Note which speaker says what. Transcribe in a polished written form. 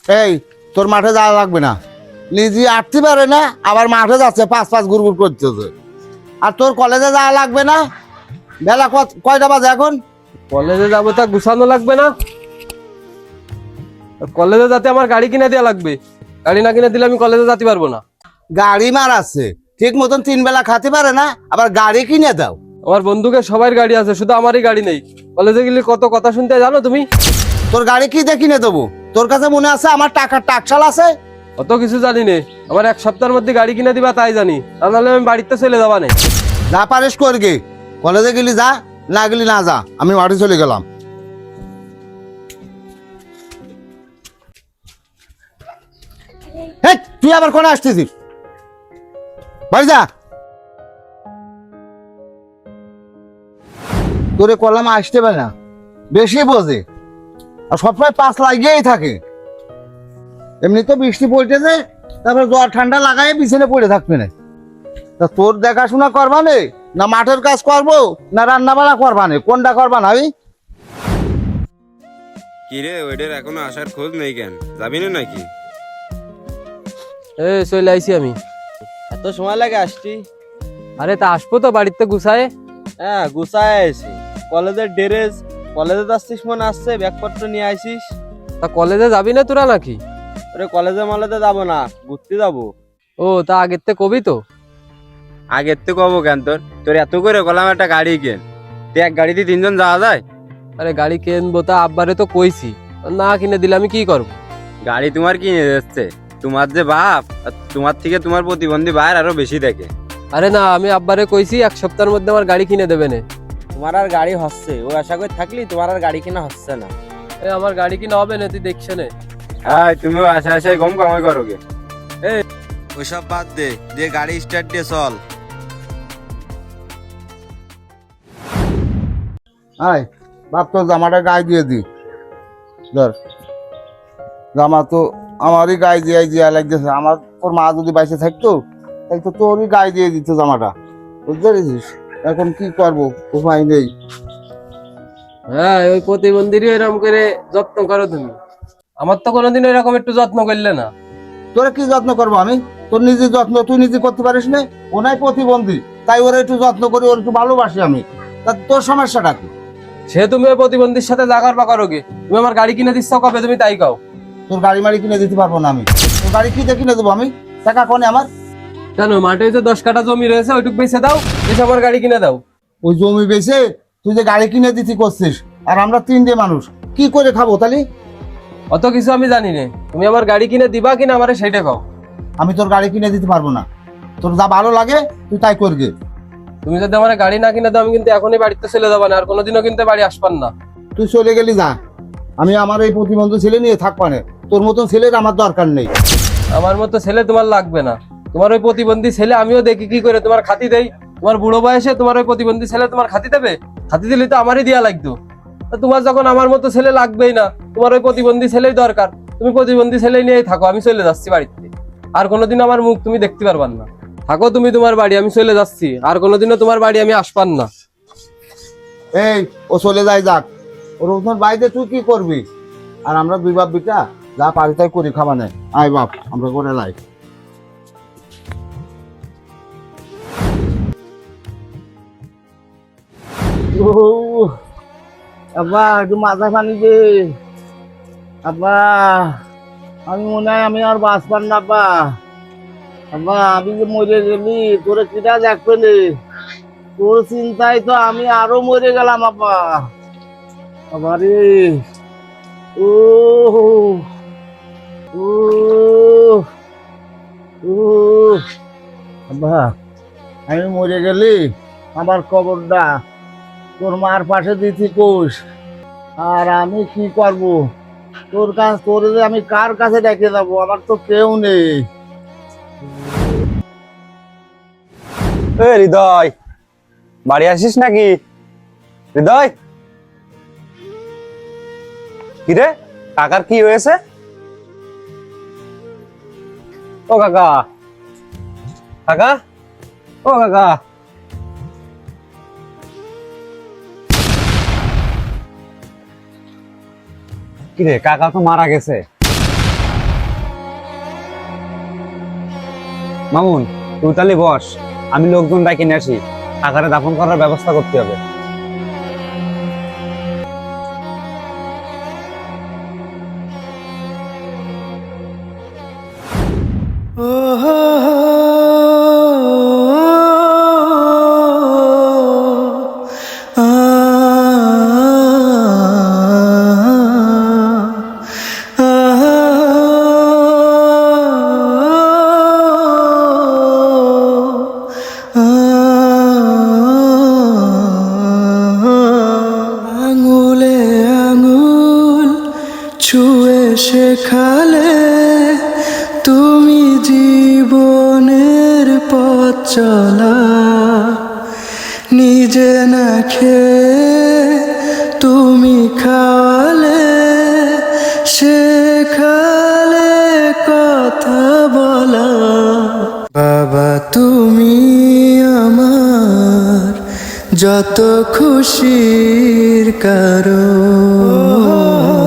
Speaker 1: এই তোর মাঠে যাওয়া লাগবে না, নিজে আটতে পারে না আবার মাঠে যাচ্ছে পাঁচ পাঁচ গুড় করতেছে। আর তোর কলেজে যাওয়া লাগবে না, বেলা কয়টা বাজে এখন?
Speaker 2: কলেজে যাবো তা গুছানো লাগবে না? কলেজে যাতে আমার গাড়ি কিনে দেওয়া লাগবে, গাড়ি না কিনে দিলে আমি কলেজে যেতে পারবো না।
Speaker 1: গাড়ি মার আছে ঠিক মতন 3 বেলা খাতে পারে না, আবার গাড়ি কিনে দাও।
Speaker 2: আমার বন্ধুকে সবার গাড়ি আছে, শুধু আমারই গাড়ি নেই। কলেজে গেলে কত কথা শুনতে জানো তুমি?
Speaker 1: তোর গাড়ি কি দিয়ে কিনে দেবো? তোর কাছে মনে আছে আমার টাকার টাকশাল আছে?
Speaker 2: অত কিছু জানি নে, আমার 1 সপ্তাহের মধ্যে গাড়ি কিনে দিবা তাই জানি, তা নাহলে আমি বাড়িতে চলে যাবা না।
Speaker 1: যা পারিস করগে, কলেজে গেলি যা, না গেলি না যা, আমি বাড়ি চলে গেলাম। হেই, তুই আবার কোনে আসতেছিস? বাড়ি যা। তোরে কলাম আসতে পারে না, বেশি বোঝে, আর সবসময় পাশ লাগিয়েই থাকে। এমনি তো বৃষ্টি পড়তেছে, তারপর জ্বর ঠান্ডা লাগাই বিছানে পড়ে থাকবে না। তা তোর দেখাশোনা করবানে না মাঠের কাজ করবো না রান্না বান্না করবানে, কোনটা করবা না? আমি
Speaker 3: কিরে ওইটার এখনো আসার খোঁজ নেই কেন? যাবি না নাকি?
Speaker 2: চলে আইছি আমি।
Speaker 4: এত সময় লাগে আসছি?
Speaker 2: আরে তা আসবো তো, বাড়িতে গুছায়।
Speaker 4: হ্যাঁ গুছায় আছি। কলেজের ড্রেস, কলেজে যাচ্ছিস মনে আসছে, ব্যাগপত্র নিয়ে আইসিস।
Speaker 2: তা কলেজে যাবি না তোরা নাকি?
Speaker 4: ওরে কলেজে মলেজে যাবো না, ঘুরতে যাবো।
Speaker 2: ও তা আগের থেকে কবি তো।
Speaker 3: আগের তো কব কেন, তোর এত করে কলাম একটা গাড়ি কেন, তুই এক গাড়িতে 3 জন যাওয়া যায়?
Speaker 2: আরে গাড়ি কিনবো তা আব্বারে তো কইছি, না কিনে দিলে আমি কি করবো?
Speaker 3: গাড়ি তোমার কিনে যাচ্ছে, তোমার যে বাপ, আর তোমার থেকে তোমার প্রতিবন্ধী ভাইয়ের আরো বেশি দেখে।
Speaker 2: আরে না, আমি আব্বারে কইছি 1 সপ্তাহের মধ্যে আমার গাড়ি কিনে দেবে না।
Speaker 4: তোমার আর গাড়ি হচ্ছে, ও আশা করে থাকলি তোমার আর গাড়ি কিনা হচ্ছে না।
Speaker 2: আমার গাড়ি কিনা হবে না, তুই দেখছে না।
Speaker 3: হ্যাঁ তুমিও আশা আশায় কম কামাই করো গে।
Speaker 5: ওইসব বাদ দে, দিয়ে গাড়ি স্টার্ট দিয়ে চল।
Speaker 1: আয় বাপ, তোর জামাটা গায়ে দিয়ে দি। ধর, জামা তো আমারই গায়ে দিয়ে লাগতেছে। আমার তোর মা যদি বাইসে থাকতো তাহলে তো তোরই গায়ে দিয়ে দিত জামাটা, বুঝতে পেরেছিস? এখন কি করবো, উপায় নেই।
Speaker 2: হ্যাঁ, ওই প্রতিবন্ধীরই এরকম করে যত্ন করো তুমি। আমার তো কোনোদিন এরকম একটু যত্ন করলে না।
Speaker 1: তোরা কি যত্ন করবো আমি? তোর নিজের যত্ন তুই নিজে করতে পারিস না? ও নাই প্রতিবন্ধী, তাই ওরা একটু যত্ন করি, ওর একটু ভালোবাসি আমি। তা তোর সমস্যাটা কি?
Speaker 2: সে তুমি ওই প্রতিবন্ধীর সাথে জাগার বা করো গে। তুমি আমার গাড়ি কিনে দিচ্ছ কবে, তুমি তাই কাও।
Speaker 1: তোর গাড়ি মাড়ি কিনে দিতে পারবো না আমি। তোর গাড়ি কি দিয়ে কিনে দেবো আমি? টাকা কোনে আমার?
Speaker 2: কেন, মাঠে যে 10 কাঠা জমি রয়েছে ওইটুক বেচে দাও, বেচে আমার গাড়ি কিনে দাও।
Speaker 1: ওই জমি বেচে তুই যে গাড়ি কিনে দিতে করছিস, আর আমরা 3 মানুষ কি করে খাবো তাহলে?
Speaker 2: অত কিছু আমি জানি না, তুমি আমার গাড়ি কিনে দিবা কিনা আমারে সেইটা কাও।
Speaker 1: আমি তোর গাড়ি কিনে দিতে পারবো না। তোর যা ভালো লাগে তুই তাই করবে।
Speaker 2: তুমি যদি আমার গাড়ি না কিনে দাও, আমি কিন্তু এখনই বাড়িতে চলে যাবা না, আর কোনোদিনও কিন্তু বাড়ি আসবান না।
Speaker 1: তুই চলে গেলি যা, আমি আমার এই প্রতিবন্ধী ছেলে নিয়ে থাকবা না। তোর মতন ছেলের আমার দরকার নেই।
Speaker 2: আমার মতো ছেলে তোমার লাগবে না। তোমার ওই প্রতিবন্ধী ছেলে আমিও দেখি কি করে তোমার খাতি দেই। তোমার বুড়ো বয়সে তোমার ওই প্রতিবন্ধী ছেলে তোমার খাতি দেবে? খাতি দিলে তো আমারই দেয়া লাগতো। তা তোমার যখন আমার মতো ছেলে লাগবেই না, তোমার ওই প্রতিবন্ধী ছেলেই দরকার, তুমি প্রতিবন্ধী ছেলে নিয়েই থাকো, আমি চলে যাচ্ছি বাড়িতে। আর কোনোদিন আমার মুখ তুমি দেখতে পারবান না। থাকো তুমি তোমার বাড়ি, আমি চলে যাচ্ছি, আর কোনোদিনও তোমার বাড়ি আমি আসবান না।
Speaker 1: এই ও চলে যায় যাক, ওর ওখানে বাইরে তুই কি করবি? আর আমরা 2 বাপ বিটা যা পারি তাই করি, খাবা নেই। আয় বাপ, আমরা করে লাই। আব্বা একটু মাথা পানি দে। আব্বা আমি মনে হয় আমি আর বাঁচবার না। আব্বা আব্বা আমি যে মরে গেলি তোরে কিটা দেখবে নে, তোর চিন্তায় তো আমি আরো মরে গেলাম। আব্বা আবারে ও ও ও আব্বা আমি মরে গেলি আমার কবরটা তোর মার পাশে দিতি কোষ, আর আমি কি করব? তোর কাছে তোরে যে আমি কার কাছে ডেকে যাবো? আমার তো কেউ নেই।
Speaker 4: হৃদয়, বাড়ি আসিস নাকি? হৃদয়, কিরে কাকার কি হয়েছে? ও কাকা, কাকা, ও কাকা। কিরে কাকা তো মারা গেছে।
Speaker 6: মামুন তুই তাহলে বস, আমি লোকজন ডাকি নিয়ে আসি, কাকারে দাফন করার ব্যবস্থা করতে হবে।
Speaker 7: আঙুলে আঙুল ছুঁয়ে শেখালে তুমি জীবনের পথ চলা, নিজে না খেয়ে তুমি খাওয়ালে, শেখালে কথা বলা। বাবা তুমি আমার যত খুশির কারণ।